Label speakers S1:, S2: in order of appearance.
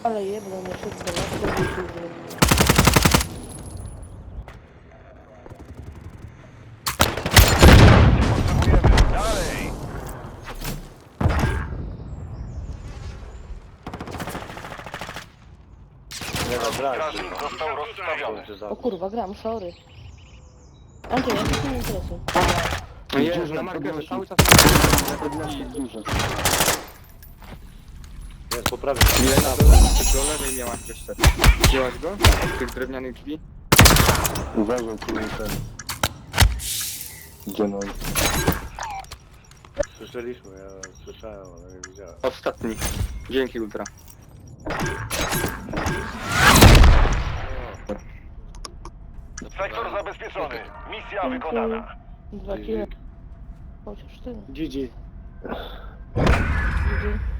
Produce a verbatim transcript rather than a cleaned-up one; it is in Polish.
S1: Ale jebno mnie szybko, na to wyjdzie.
S2: Potrzebujemy. Dalej!
S3: Nie ma brać.
S2: Strażnik został rozstawiony.
S1: O kurwa, gram, sorry. Andrzej, ja się nie interesuję.
S4: No jest,
S5: Duże,
S4: na markerze
S5: podnosi.
S4: cały czas.
S5: Podnosi duże.
S3: Jest po prawej.
S4: Ile na dole? Do lewej miałaś jeszcze. Wzięłaś go? Od tych drewnianych drzwi?
S5: Uważaj, tu jest ten. Gdzie no?
S3: Słyszeliśmy, ja słyszałem, ale nie widziałem.
S4: Ostatni. Dzięki Ultra.
S2: Sektor zabezpieczony. Misja wykonana.
S1: Dwa kilo. Chociaż tyle.
S5: G G.
S1: Gdzie?